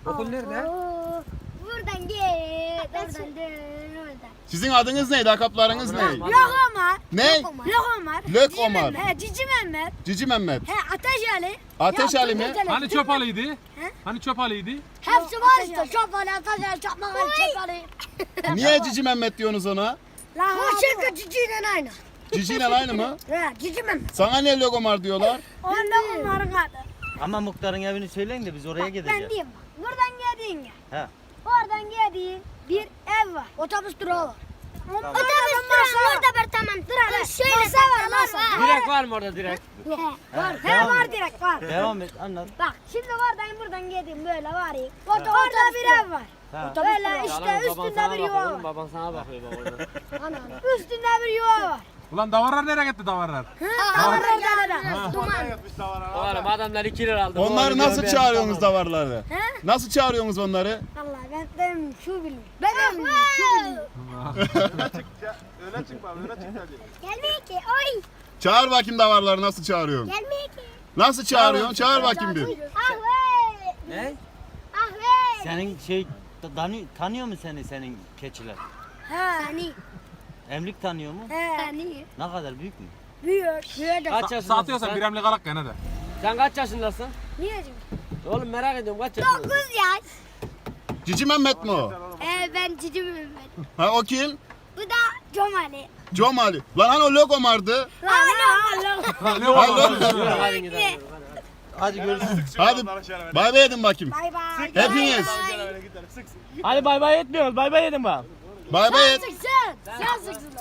Okul nerede? Buradan git. Oradan dön. Oradan. Sizin adınız neydi? Lakaplarınız ne? Tamam. Lokoma. Ne? Lokoma. Lök Omar. He, Cici Mehmet. Cici Mehmet. He, Ateş Ali. Ateş Ali mi? Hani çöp alıydı? Hani çöp alıydı? Hepsi var işte. Çapalı, ateşler, çakmaklar, çapalı. Niye Cici Mehmet diyorsunuz ona? Bu şirket ciciyle aynı. Cici ile aynı mı? He, Cici Mehmet. Sana niye Lök Omar diyorlar? O Lokoma'nın adı. Ama muhtarın evini söyleyin de biz oraya Ben gideceğiz. diyeyim bak. Buradan geldiğin ya. He. Oradan geldiğin bir ev var. Otobüs durağı var. Otobüs durağı orada bir tamam. Şöyle Masa var masa. Direkt var mı orada direkt? Var. He Devam var et. direkt var. Devam et anlat. Bak şimdi oradan geldim böyle var ya. Orada bir ev var. Ha. Böyle işte üstünde bir yuva var. Baban sana bakıyor bak orada. Üstünde bir yuva var. Ulan davarlar nereye gitti davarlar? Orada duman. Oğlum adamlar 2 lira aldı. Onları nasıl çağırıyorsunuz davarları? Nasıl çağırıyorsunuz onları? Vallahi ben şu bilmiyorum. Ben şu bilmiyorum. Gelmiyor ki. Oy. Çağır bakayım davarları nasıl çağırıyorsun? Gelmiyor ki. Nasıl çağırıyorsun? Çağır bakayım bir. Ahve. Ne? Ahve. Senin tanıyor mu senin keçiler? He. Hani. Emlik tanıyor mu? He. Hani. Ne kadar büyük mü? Büyüyor. Kaç yaşındasın Satıyorsan sen? bir emlik alak gene de. Sen kaç yaşındasın? Niye canım? Oğlum merak ediyorum kaç yaşındasın? 9 yaş. Cici Mehmet mi o? Ben Cici Mehmet. Ha o kim? Bu da Comali. Comali. Lan hani o Lök Omar'dı. Ne Ha, oldu? Lök- Hadi gidelim. Hadi görüşürüz. Hadi bay bay edin bakayım. Bay bay. Hepiniz. Hadi bay bay etmiyoruz. Bay bay edin bak. Bay bay et. Sen sıksın.